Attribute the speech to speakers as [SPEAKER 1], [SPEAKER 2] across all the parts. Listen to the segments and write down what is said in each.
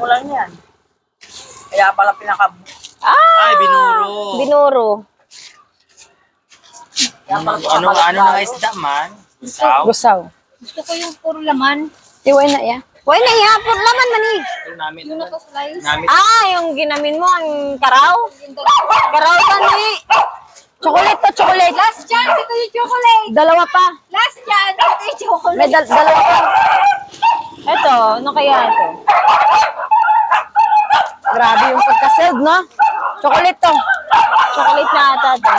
[SPEAKER 1] mo lang yan. Kaya pala
[SPEAKER 2] Ay, binuro.
[SPEAKER 3] Binuro.
[SPEAKER 2] Ano na isda man? Gusaw.
[SPEAKER 3] Gusaw.
[SPEAKER 4] Gusto ko yung puro laman.
[SPEAKER 3] Iway na ya. Why na ya? Puro laman man eh.
[SPEAKER 2] Ito namin.
[SPEAKER 4] Yung naka-slice.
[SPEAKER 2] Namin.
[SPEAKER 3] Yung ginamin mo, ang karaw? Karaw ka ni. Chocolate to, chocolate.
[SPEAKER 4] Last chance, ito yung chocolate.
[SPEAKER 3] Dalawa pa.
[SPEAKER 4] Last chance, ito yung chocolate.
[SPEAKER 3] May dalawa pa. Ito, ano kaya ito? Grabe yung pagkaseld, no? Chocolate to. Chocolate na ata ito.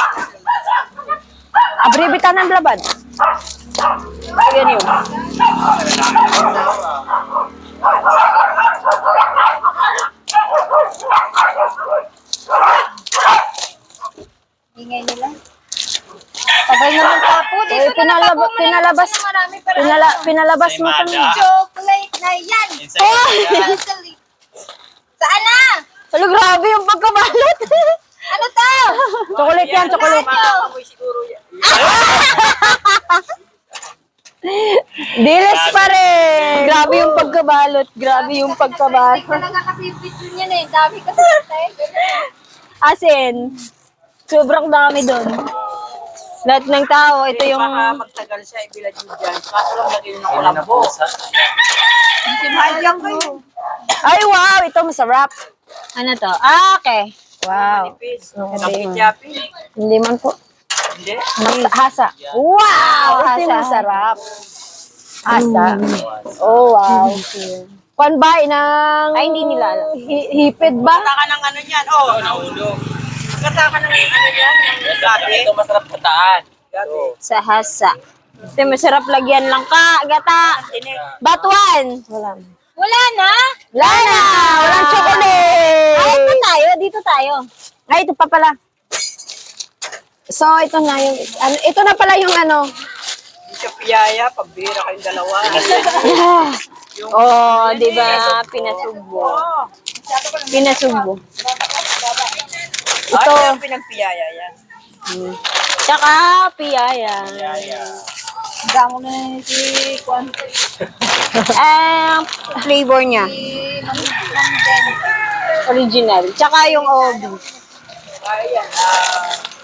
[SPEAKER 3] Abribita ng laban. Yan yun.
[SPEAKER 4] Ingay nila. Sabay naman tapo. Dito
[SPEAKER 3] Pinalabas mo kami.
[SPEAKER 4] Chocolate na yan. Saan na?
[SPEAKER 3] Ano, grabe yung pagkabalot.
[SPEAKER 4] Ano to?
[SPEAKER 3] Chocolate yan, chocolate.
[SPEAKER 1] siguro yan.
[SPEAKER 3] Diles pa rin. Grabe yung pagkabalot. Grabe yung pagkabalot.
[SPEAKER 4] Talaga kasi video niyan eh. Dami kasi
[SPEAKER 3] Asin, sobrang dami doon. Lahat ng tao, ito yung...
[SPEAKER 1] Baka magtagal siya, ibilad nyo dyan. Kaso lang lagyan ng kulambo. Sinayang kayo.
[SPEAKER 3] Ay, wow! Ito masarap. Ano to? Okay. Wow.
[SPEAKER 1] Nipis.
[SPEAKER 3] Okay.
[SPEAKER 1] Sapi-chapi.
[SPEAKER 3] Hindi man po.
[SPEAKER 1] Hindi.
[SPEAKER 3] Hasa. Wow! Ito yung masarap. Hasa. Oh, wow. Panbay ng... Ay, hindi nila alam. Hipid ba?
[SPEAKER 1] Kata ka ng ano yan. Oh,
[SPEAKER 2] Nahulog.
[SPEAKER 1] kata ka ng ano yan. Ng gabi.
[SPEAKER 2] Ito masarap kataan.
[SPEAKER 1] Gabi.
[SPEAKER 3] Sa hasa. Ito masarap lagyan lang ka, gata. Batuan. Wala.
[SPEAKER 4] Wala na?
[SPEAKER 3] Wala na! Walang chocolate! Ay, ito tayo. Dito tayo. Ay, ito pa pala. So, ito na yung... ito na pala yung ano.
[SPEAKER 1] Hindi siya piyaya. Pagbira kayong dalawa.
[SPEAKER 3] Oh, di ba? Pinasubo.
[SPEAKER 1] Oh.
[SPEAKER 3] Pinasubo.
[SPEAKER 1] Ito.
[SPEAKER 3] Ito.
[SPEAKER 1] Ano yung pinagpiyaya yan?
[SPEAKER 3] Tsaka, piyaya.
[SPEAKER 4] Damo na si Kwan.
[SPEAKER 3] Flavor niya. Original. Tsaka yung OB.
[SPEAKER 1] Kaya yan.